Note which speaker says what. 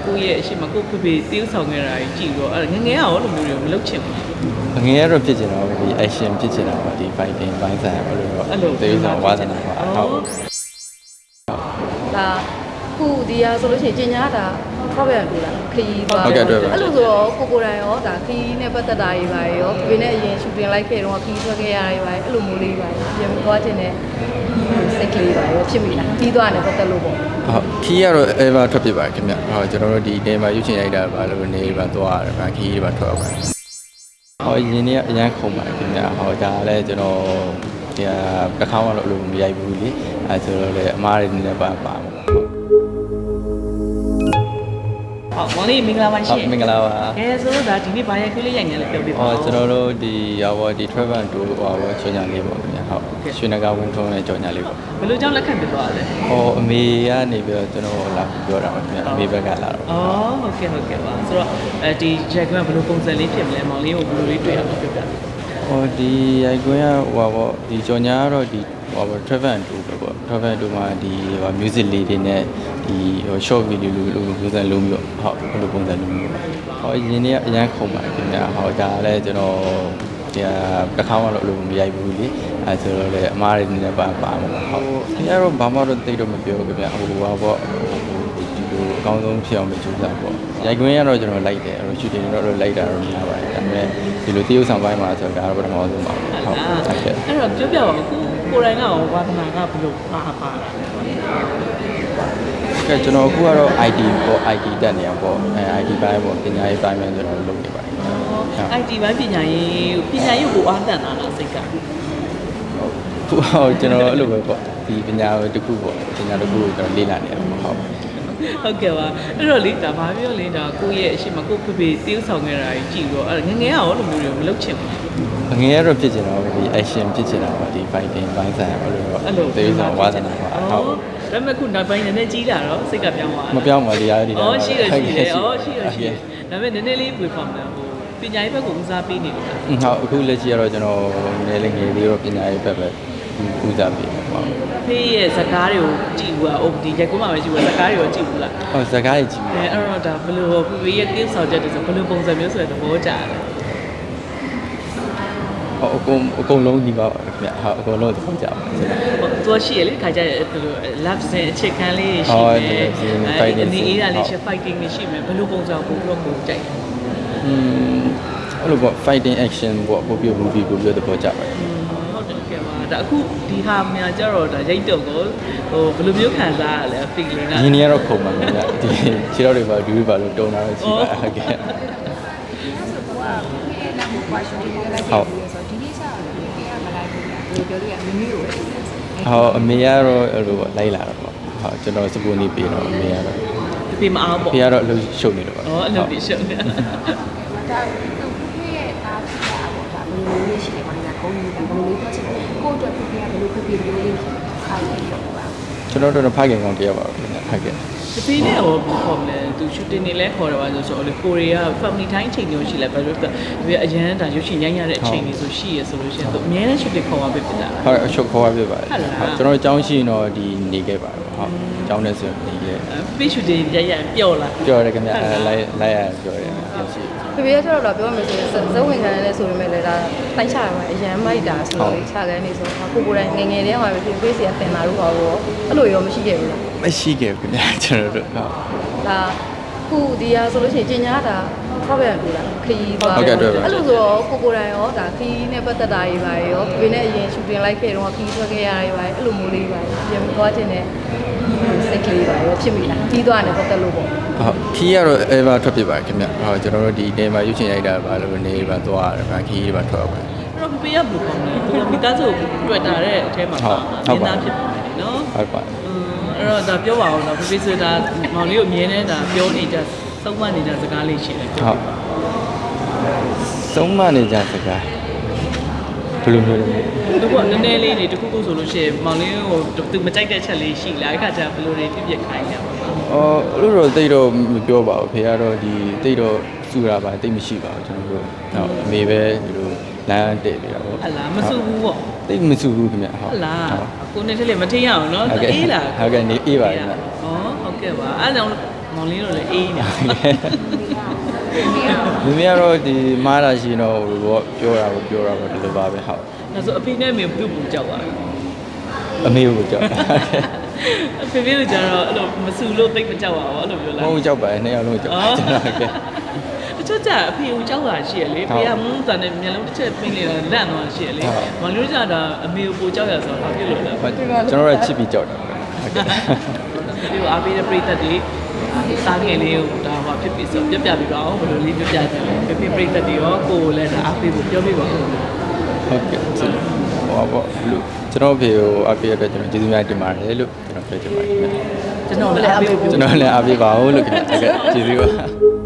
Speaker 1: ကိုယ့်ရဲ့အရှိမကိုဖေဖေတေးဆောင်ခဲ့တာကြီးကြည့်တော့အဲ့ငငယ်ရောလိုမျိုးတွေမလုပ်ချင်ဘူး
Speaker 2: ငယ်ရတော့ဖြစ်ချင်တော့ဒီ action ဖြစ်ချင်တာပါဒီ fighting ဘိုင်းဆိုင်အဲ့လိုတော့တေးဆောင်ဝါသနာပါဟုတ်
Speaker 3: ဒါခုဒီဟာဆိုလို့ရှိရင်ကျင်ညာတာထောက်ပြန်လို့လားခရီးသွားအဲ့လိုဆိုတော့ကိုတိုင်ရောဒါခရီးနဲ့ပတ်သက်တာတွေပါရောဒီနေ့အရင်ရှူတင်လိုက်ခဲ့တော့ခရီးထွက်ခဲ့ရတွေပါအဲ့လိုမျိုးလေးပါပြန်သွားခြင်းနဲ့စိတ်ကလေးပါရောဖြစ်မိလားခရီးသွားတယ်ပတ်သက်လို့ပေါ့
Speaker 2: ဟုတ်ခီးကတော့ ever ထွက်ဖြစ်ပါတယ်ခင်ဗျဟုတ်ကျွန်တော်တို့ဒီနေမှာရွှေ့ချင်ရိုက်တာပါလို့နေပါသွားရတယ်ဗျခီးတွေပါထွက်ပါတယ်ဟောရင်းနေအရန်ခုံပါတယ်ခင်ဗျဟောဒါလည်းကျွန်တော်ဒီတစ်ခါမှလို့အလိုမရိုက်ဘူးလေအဲဆိုတော့လေအမားတွေနေလည်းပါမှာ
Speaker 1: ဟုတ်မောင်လေးမင်္ဂလာပါရှင်
Speaker 2: မင်္ဂလာပါ
Speaker 1: ကဲဆိုတော့ဒါဒီနေ့ဘာရိုက်ခွေးလေးရိုက်နေလဲပြောပြပါဦး
Speaker 2: ကျွန်တော်တို့ဒီရောဒီ travel tour ဟောကြော်ညာလေးပေါ့ခင်ဗျဟုတ်ရွှေနဂါဝင်းထုံးနဲ့ကြော်ညာလေးပေါ့
Speaker 1: ဘယ်လိုကြောင့်လက်ခံပြသွားလဲ
Speaker 2: ဟောအမေကနေပြီးတော့ကျွန်တော်လာပြောတာပါခင်ဗျအမေဘက်ကလာတော့
Speaker 1: ဟုတ်ကဲ့ပါဆိုတော့ဒီရိုက်ခွေးကဘယ်လိုပုံစံလေးဖြစ်မလဲမောင်လေးကိုဘယ်လိုလေးတွေ့ရမှာပြောပြ
Speaker 2: ဟောဒီရိုက်ခွင်းကဟောပေါ့ဒီကြော်ညာကတော့ဒီဟော travel tour ပဲပေါ့ travel tour မှာဒီဟော music လေးတွေနဲ့ဒီဟို short video လိုပုံစံလုံးမျိုးဟုတ်ဘယ်လိုပုံစံလုံးမျိုးဟောရင်းနေအရန်ခုံပါတယ်ခင်ဗျဟောဒါလည်းကျွန်တော်ဒီတစ်ခါမှလို့အလိုမရိုက်ဘူးလေအဲဆိုတော့လေအမားတွေနေလည်းပါမှာဟုတ်ဒီကတော့ဘာမှတော့တိတ်တော့မပြောခင်ဗျဟိုဟာပေါ့ဒီလိုအကောင်းဆုံးဖြစ်အောင်ကြိုးစားပေါ့ရိုက်ခွင်းရတော့ကျွန်တော်လိုက်တယ်အဲ့တော့ shooting တော့လိုက်တာတော့များပါတယ်ဒါပေမဲ့ဒီလိုတရုပ်ဆောင်ပိုင်းမှာဆိုတော့ဒါတော့ပထမဆုံးပါဟုတ်
Speaker 1: ဟုတ်ကဲ့အဲ့တော့ပြောပြပါဦးကိုရိုင်းကရောဝါသနာကဘယ်လိုပါတာ
Speaker 2: ကဲကျွန်တော်အခုကတော့ IT ပေါ့ IT တက်နေရပေါ့အဲ IT ဘိုင်းပေါ့ပညာရေးဘိုင်းမှာကျွန်တော်လုပ်နေပါတယ်
Speaker 1: IT ဘိုင်းပညာရေးကိုအားတန်တာလားစိတ်က
Speaker 2: ဟုတ်ကျွန်တော်အဲ့လိုပဲပေါ့ဒီပညာတစ်ခုပေါ့ပညာတစ်ခုကိုကျွန်တော်လေ့လာနေရပေါ့
Speaker 1: ဟုတ်ကဲ့ပါအဲ့တော့လေဒါဘာပြောလဲဒါကိုယ့်ရဲ့အရှိမကိုဖေဖေတေးဆောင်ခဲ့တာကြီးကြည့်တော့အဲ့ငငယ်ရောလိုမျိုးတွေမလုပ်ချင်ဘူး
Speaker 2: ငယ်ရတော့ဖြစ်ချင်တော့ဒီ action ဖြစ်ချင်တာပါဒီ fighting ဘိုင်းဆိုင်အဲ့လိုတော့တေးဆောင်ဝါသနာပါဟုတ်
Speaker 1: ဒါပေမဲ့ခုနောက်ပိုင်းနည်းနည်းကြီးလာတော့စိတ်ကပြောင်းသွား
Speaker 2: မပြောင်းပါဒီအားဒီ
Speaker 1: လားရှိတယ်ဒါပေမဲ့နည်းနည်းလေးဝေဖော်တယ်ဟိုပညာရေးဘက်ကိုဦးစားပေးနေလို့
Speaker 2: ဟုတ်အခုလက်ရှိကတော့ကျွန်တော်နည်းလေးငယ်လေးတော့ပညာရေးဘက်ပဲဦးစားပေးပါဟုတ်
Speaker 1: ဖေးရဲ့ဇကားတွေကိုကြည့်ဘူးอ่ะဒီရက်ကုန်းမှာပဲကြည့်ဘူးဇကားတွေကိုကြည့်ဘူးလား
Speaker 2: ဟုတ်ဇကားတွေကြည့်ဘူး
Speaker 1: အဲ့တော့ဒါဘယ်လိုဖေးရဲ့တင်းဆောင်ချက်တွေဆိုဘယ်လိုပုံစံမျိုးဆိုတဲ့သဘောကျတယ်
Speaker 2: အကုန်လုံးဒီပါခင်ဗျဟုတ်အကုန်လုံးသဘောကျပါတယ်
Speaker 1: သူရှိရလေခါကြဒီလို love စင်အချက်ခံလေးရှိမယ်အနေအေးတာလေးရှိ fighting လေးရှိမယ်ဘယ်လိုပုံစံကိုပြောကိုကြိုက်
Speaker 2: အဲ့လိုပေါ့ fighting action ပေါ့ပို့ပြ movie ကိုပြောသဘောကျပါတယ်
Speaker 1: ဟုတ်တယ်ကဲပါဒါအခုဒီဟာများကြတော့ဒါရိတ်တော့ကိုဟိုဘယ်လိုမျိုးခံစားရလဲ feeling က
Speaker 2: ရင်းနေရတော့ခုံပါခင်ဗျဒီခြေတော်တွေပါဒူးပါလို့တုံတာတော့ရှိပါဟုတ်ကဲ့ဟုတ်ပြောလို့ရမင်းမျိုးပဲဟောအမေကတော့အဲ့လိုပေါ့လိုက်လာတော့ပေါ့ဟုတ်ကျွန်တော်စပူနေပြီးတော့အမေကတော့
Speaker 1: ဖေမအောင်ပေါ့
Speaker 2: ဖေကတော့အလုပ်ရှုပ်နေတော့ပေါ့
Speaker 1: အလုပ်ရှုပ်နေဒါ
Speaker 3: ဖေရဲ့သားဖြစ်တာပေါ့ဒါဘယ်လိုလေးရှိလဲမင်းကကုန်းကြီးကဘယ်လိုလေးဖြစ်ချင်ကိုအတွက်ဖေကဘယ်လိုဖေလေးခိုင်းနေတော့ပါ
Speaker 2: ကျွန်တော်တို့ဖိုက်ခင်ကောင်တယောက်ပါပဲဖိုက်ခင်
Speaker 1: တပင်းနဲ့ဟောခေါ်မလဲသူ shooting နေလဲခေါ်တော့ပါဆိုလေကိုရီးယား family time ချိန်မျိုးရှိလဲဘာလို့လဲအရန်ဒါရုပ်ရှင်ရိုက်ရတဲ့အချိန်တွေဆိုရှိရဆိုလို့ရှိရင်သူအများနဲ့ shooting ခေါ်ပါပဲဖြစ်တာ
Speaker 2: ဟုတ်အချုပ်ခေါ်ပါပဲပါတယ်ကျွန်တော်အကြောင်းရှိရင်တော့ဒီနေခဲ့ပါတယ်ဟုတ်အကြောင်းနဲ့ဆိုနေခဲ့
Speaker 1: ဖေး shooting ရပျော့လား
Speaker 2: ပျော့တယ်ခင်ဗျလိုက်ရပျော့တယ်ရှိ
Speaker 3: ဖေဖေကျတော့ပြောမယ်ဆိုရင်ဇဝင်ခံရတယ်ဆိုပေမဲ့လည်းဒါတိုက်ချရမှာအရန်မိုက်တာဆိုတော့ခြာကန်နေဆိုကိုယ်တိုင်ငယ်တည်းမှာပဲဖေးစီကတင်လာလို့ဟောအဲ့လိုရောမရှိခဲ့ဘူးလား
Speaker 2: မရှိခဲ့ဘူးခင်ဗျကျွန်တော်တို့ဟုတ်
Speaker 3: ဒါခုဒီဟာဆိုလို့ရှိရင်ကျင်ညာတာထောက်ပြန်လို့လားခရီးသွား
Speaker 2: အဲ့လို
Speaker 3: ဆိုတော့ကိုတိုင်ရောဒါခရီးနဲ့ပတ်သက်တာတွေပါရောဒီနေ့အရင်ရှူတင်လိုက်ခဲ့တော့ခရီးထွက်ခဲ့ရတွေပါအဲ့လိုမျိုးလေးပါပြန်သွားခြင်းနဲ့စိတ်ကလေးပါရောဖြစ်မိလားခရီးသွားတယ်ပတ်သက်လို့ပေါ့
Speaker 2: ဟုတ်ခီးကတော့ ever ထွက်ဖြစ်ပါတယ်ခင်ဗျဟုတ်ကျွန်တော်တို့ဒီနေမှာရွှေ့ချင်ရိုက်တာပါလို့နေပါသွားရတယ်ဗျခီးတွေပါထွက်ပါတယ်
Speaker 1: အဲ့တော့ဖေးရဘယ်လိုကောင်းလဲသူမိသားစုတွေ့တာတဲ့အထဲမှာဟုတ်ပါဖြစ်ပါတယ်နော်
Speaker 2: ဟုတ်ပါ
Speaker 1: အဲ့တော့ဒါပြောပါအောင်တော့ဖေးဆိုတာမောင်လေးကိုမြင်နေတာပြောနေတာသုံးမနေတာစကားလေးရှိတယ်
Speaker 2: ဟုတ်သုံးမနေကြစကားဘယ်လိုမျိုးလဲ
Speaker 1: သူကနည်းနည်းလေးတွေတခုခုဆိုလို့ရှိရင်မောင်လေးကိုသူမကြိုက်တဲ့ချက်လေးရှိလားအဲ့ခါကျဘယ်လိုတွေပြပြခိုင်းလဲပေါ့
Speaker 2: အဲ့လိုတော့တိတ်တော့မပြောပါဘူးဖေကတော့ဒီတိတ်တော့စုတာပါတိတ်မရှိပါဘူးကျွန်တော်တို့ဟုတ်အမေပဲဒီလိုလမ်းတည့်နေတာပေါ့
Speaker 1: ဟုတ်လားမစုဘူးပေါ့
Speaker 2: တိတ်မစုဘူးခင်ဗျ
Speaker 1: ဟုတ်လားကိုနဲ့တည်းမထင်ရအောင်နော်အေးလား
Speaker 2: ဟုတ်ကဲ့နေအေးပါခင်ဗျ
Speaker 1: ဟုတ်ကဲ့ပါအဲ့ကြောင့်မောင်လေးတို့လည်းအေးနေ
Speaker 2: မိမိကတော့ဒီမားတာရှိတော့ဟိုဘောပြောတာပေါ့ဒီလိုပါပဲဟုတ်
Speaker 1: ဒါဆိုအဖေနဲ့မေပြုတ်ပူကြောက်ပါ
Speaker 2: အမေကိုကြောက်
Speaker 1: အဖေဖေတို့ကျတော့အဲ့လိုမဆူလို့သိပ်မကြောက်ပါဘူးအဲ့လိုပြောလား
Speaker 2: မဟုတ်ကြောက်ပါနဲ့နှစ်ယောက်လုံးကြောက်ကျွန်တော်ကဲ
Speaker 1: အချွတ်ကြအဖေကိုကြောက်တာရှိရလေဖေကမုန်းတန်နဲ့မျက်လုံးတစ်ချက်ပင်းနေတာလန့်သွားရှိရလေမောင်လေးကြတာအမေကိုပူကြောက်ရဆိုတော့ဘာဖြစ်လို့လဲ
Speaker 2: ကျွန်တော်ကချစ်ပြီးကြောက်တာဟုတ်ကဲ့
Speaker 1: ဒီအားပေးတဲ့ပရိသတ်တွေစားငယ်လေးကိုဒါဟောဖြစ်ပြီးဆိုပြပြပြီးတော့ဘယ်လိုလေးပြပြတယ်ပြပြပရိသတ်တွေရောကိုယ်လည်းဒါအားပေးဖို့ပြောပြပါဦး
Speaker 2: ဟုတ်ကဲ့ဟိုပါလို့ကျွန်တော်ဖေကိုအပေးရတဲ့ကျွန်တော်ကျေးဇူးများတင်ပါတယ်လို့ကျွန်တော်ပြောချင်ပါတယ်
Speaker 1: ကျွန်တော်လည်းအားပေးဖို့
Speaker 2: ကျွန်တော်လည်းအားပေးပါဦးလို့ခင်ဗျာဟုတ်ကဲ့ကျေးဇူးပါ